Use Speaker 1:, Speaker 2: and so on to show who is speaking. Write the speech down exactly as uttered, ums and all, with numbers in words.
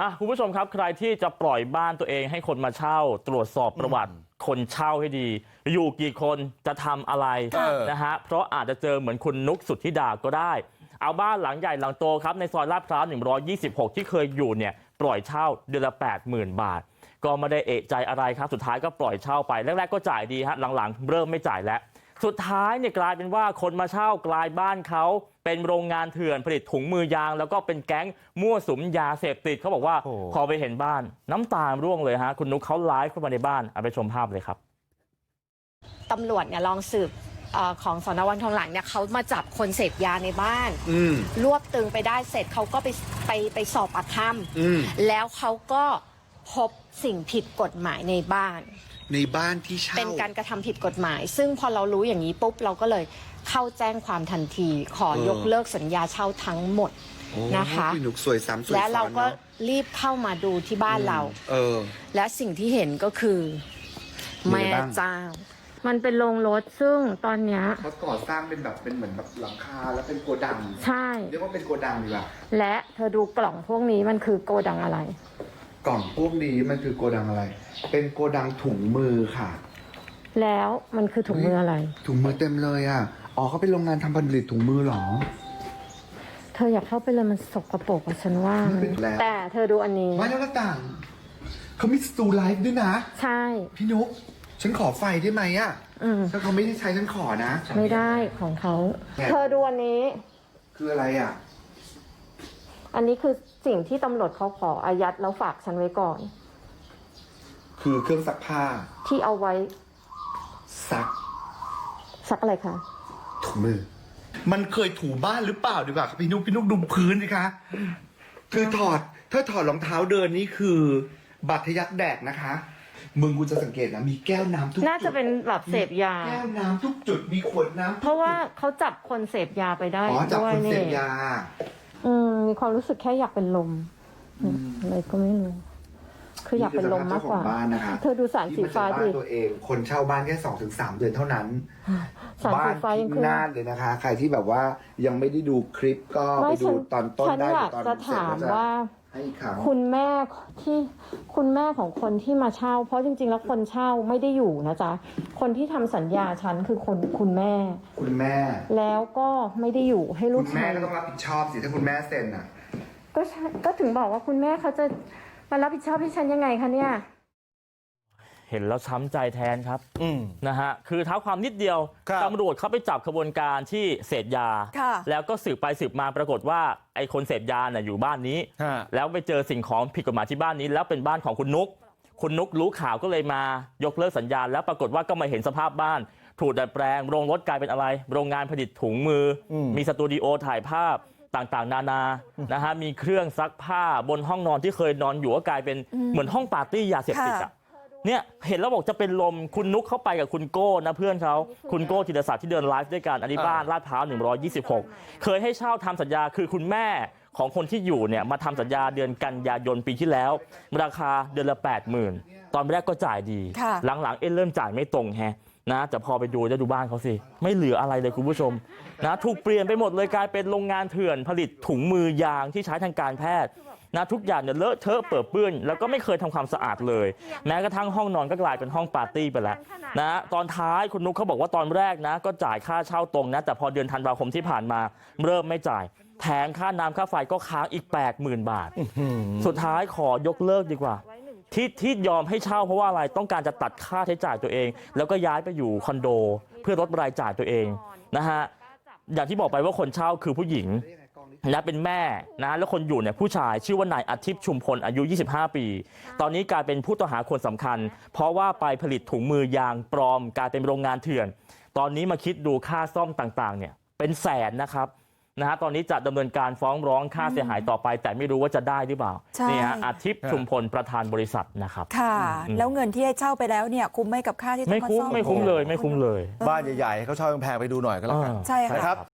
Speaker 1: อ่ะคุณผู้ชมครับใครที่จะปล่อยบ้านตัวเองให้คนมาเช่าตรวจสอบประวัติคนเช่าให้ดีอยู่กี่คนจะทำอะไรนะฮะเพราะอาจจะเจอเหมือนคุณนุกสุทธิดาก็ได้เอาบ้านหลังใหญ่หลังโตครับในซอยลาดพร้าวหนึ่งร้อยยี่สิบหกที่เคยอยู่เนี่ยปล่อยเช่าเดือนละ แปดหมื่น บาทก็ไม่ได้เอะใจอะไรครับสุดท้ายก็ปล่อยเช่าไปแรกๆก็จ่ายดีฮะหลังๆเริ่มไม่จ่ายแล้วสุดท้ายเนี่ยกลายเป็นว่าคนมาเช่ากลายบ้านเขาเป็นโรงงานเถื่อนผลิตถุงมือยางแล้วก็เป็นแก๊งมั่วสุมยาเสพติดเขาบอกว่าพอไปเห็นบ้านน้ำตาร่วงเลยฮะคุณนุ๊กเขาไลฟ์เข้ามาในบ้านเอาไปชมภาพเลยครับ
Speaker 2: ตำรวจเนี่ยลองสืบของสน.วังทองหลางเนี่ยเขามาจับคนเสพยาในบ้านรวบตึงไปได้เสร็จเขาก็ไปไปไปสอบปากคำแล้วเขาก็พบสิ่งผิดกฎหมายในบ้าน
Speaker 3: ในบ้านที่เช่า
Speaker 2: เป็นการกระทำผิดกฎหมายซึ่งพอเรารู้อย่างนี้ปุ๊บเราก็เลยเข้าแจ้งความทันทีขอยกเลิกสัญญาเช่าทั้งหมดนะคะ
Speaker 3: พี่หนุกสวยซ้ำสวยซ้อน
Speaker 2: และเราก็รีบเข้ามาดูที่บ้านเราเออและสิ่งที่เห็นก็คือแม่เจ้ามันเป็นโรงรถซึ่งตอนเนี้ย
Speaker 3: เขาก่อสร้างเป็นแบบเป็นเหมือนแบบหลังคาแล้วเป็นโกดัง
Speaker 2: ใช่
Speaker 3: เรียกว่าเป็นโกดังดีกว่า
Speaker 2: และเธอดูกล่องพวกนี้มันคือโกดังอะไร
Speaker 3: กล่องพวกนี้มันคือโกดังอะไรเป็นโกดังถุงมือค่ะ
Speaker 2: แล้วมันคือถุงมืออะไร
Speaker 3: ถุงมือเต็มเลยอ่ะอ๋อเขาเป็นโรงงานทำผลิตถุงมือหรอ
Speaker 2: เธออยากเข้าไปเลยมันสกปรกอะฉันว่าแต่เธอดูอันนี้
Speaker 3: ไม่แล้วต่างเขามีสตูไลฟ์ด้วยนะ
Speaker 2: ใช่
Speaker 3: พี่นุ๊กฉันขอไฟได้ไหมอ่ะถ้าเขาไม่ได้ใช้ฉันขอนะ
Speaker 2: ไม่ได้ของเขาเธอดูอันนี้
Speaker 3: คืออะไรอ่ะ
Speaker 2: อันนี้คือสิ่งที่ตำรวจเขาขออายัดแล้วฝากฉันไว้ก่อน
Speaker 3: คือเครื่องซักผ้า
Speaker 2: ที่เอาไว้
Speaker 3: ซัก
Speaker 2: ซักอะไรคะ
Speaker 3: ถุงมือมันเคยถูบ้านหรือเปล่าดีกว่าครับพี่นุ๊กพี่นุ๊กดูพื้นสิคะคือถอดถ้าถอดรองเท้าเดินนี่คือบัตรทะยักแดกนะคะมึงกูจะสังเกตนะมีแก้วน้ำทุกจุด
Speaker 2: น่าจะเป็นแบบเสพยา
Speaker 3: แก้วน้ำทุกจุดมีขวดน้ำ
Speaker 2: เพราะว่าเขาจับคนเสพยาไปได้
Speaker 3: อ๋อจับคนเสพยา
Speaker 2: อืมมีความรู้สึกแค่อยากเป็นลมอะไรก็ไม่รู้คืออยากเป็นลมมากกว่าเธอดูสารสีฟ้าดิ
Speaker 3: ตัวเองคนเช่าบ้านแค่สองถึงสามเดือนเท่านั้นบ้านพินาศเลยนะคะใครที่แบบว่ายังไม่ได้ดูคลิปก็ไปดูตอนต้นได้ตอน
Speaker 2: จะถามว่าคุณแม่ที่คุณแม่ของคนที่มาเช่าเพราะจริงๆแล้วคนเช่าไม่ได้อยู่นะจ๊ะคนที่ทำสัญญาฉันคือคนคุณแม่
Speaker 3: คุณแม่
Speaker 2: แล้วก็ไม่ได้อยู่ให้ลูก
Speaker 3: คุณแม่ก็ต้องรับผิดชอบสิถ้าคุณแม่เซ็นอ่ะ
Speaker 2: ก็ก็ถึงบอกว่าคุณแม่เขาจะมารับผิดชอบให้ฉันยังไงคะเนี่ย
Speaker 1: เห็นแล้วช้ำใจแทนครับนะฮะคือเท้าความนิดเดียวตำรวจเขาไปจับขบวนการที่เสพยาแล้วก็สืบไปสืบมาปรากฏว่าไอ้คนเสพยาน่ะอยู่บ้านนี้แล้วไปเจอสิ่งของผิดกฎหมายที่บ้านนี้แล้วเป็นบ้านของคุณนุ๊กคุณนุ๊กรู้ข่าวก็เลยมายกเลิกสัญญาแล้วปรากฏว่าก็มาเห็นสภาพบ้านถูกดัดแปลงโรงรถกลายเป็นอะไรโรงงานผลิตถุงมือมีสตูดิโอถ่ายภาพต่างๆนานานะฮะมีเครื่องซักผ้าบนห้องนอนที่เคยนอนอยู่ก็กลายเป็นเหมือนห้องปาร์ตี้ยาเสพติดอ่ะเนี่ยเห็นแล้วบอกจะเป็นลมคุณนุ๊กเข้าไปกับคุณโก้นะเพื่อนเขาคุณโก้ธีรศักดิ์ที่เดินไลฟ์ด้วยกันอันนี้บ้านลาดพร้าวหนึ่งร้อยยี่สิบหกเคยให้เช่าทำสัญญาคือคุณแม่ของคนที่อยู่เนี่ยมาทำสัญญาเดือนกันยายนปีที่แล้วราคาเดือนละ แปดหมื่น ตอนแรกก็จ่ายดีหลังๆเอ๊ะเริ่มจ่ายไม่ตรงแฮะนะแต่พอไปดูจะดูบ้านเขาสิไม่เหลืออะไรเลยคุณผู้ชมนะถูกเปลี่ยนไปหมดเลยกลายเป็นโรงงานเถื่อนผลิตถุงมือยางที่ใช้ทางการแพทย์นะทุกอย่างเนี่ยเลอะเทอะเปื้อนเปื้อนแล้วก็ไม่เคยทำความสะอาดเลยแม้กระทั่งห้องนอนก็กลายเป็นห้องปาร์ตี้ไปแล้วนะตอนท้ายคุณนุ๊กเขาบอกว่าตอนแรกนะก็จ่ายค่าเช่าตรงนะแต่พอเดือนธันวาคมที่ผ่านมาเริ่มไม่จ่ายแถมค่าน้ำค่าไฟก็ค้างอีก แปดหมื่น บาทสุดท้ายขอยกเลิกดีกว่าที่ที่ยอมให้เช่าเพราะว่าอะไรต้องการจะตัดค่าใช้จ่ายตัวเองแล้วก็ย้ายไปอยู่คอนโดเพื่อลดรายจ่ายตัวเองนะฮะอย่างที่บอกไปว่าคนเช่าคือผู้หญิงและเป็นแม่นะแล้วคนอยู่เนี่ยผู้ชายชื่อว่านายอาทิตย์ชุมพลอายุยี่สิบห้าปีตอนนี้กลายเป็นผู้ต้องหาคนสำคัญเพราะว่าไปผลิตถุงมือยางปลอมกลายเป็นโรงงานเถื่อนตอนนี้มาคิดดูค่าซ่อมต่างๆเนี่ยเป็นแสนนะครับนะฮะตอนนี้จะดำเนินการฟ้องร้องค่าเสียหายต่อไปแต่ไม่รู้ว่าจะได้หรือเปล่านี่ฮะอาทิตย์ชุมพลประธานบริษัทนะครับ
Speaker 4: ค่ะแล้วเงินที่ให้เช่าไปแล้วเนี่ยคุ้มไหมกับค่าที่ต้องมาซ่อม
Speaker 1: ไม่คุ้มไม่คุ้มเลยไม่คุ้มเลย
Speaker 5: บ้านใหญ่ๆเขาเช่าแพงไปดูหน่อยก็แล้วกัน
Speaker 4: ใช่ครับ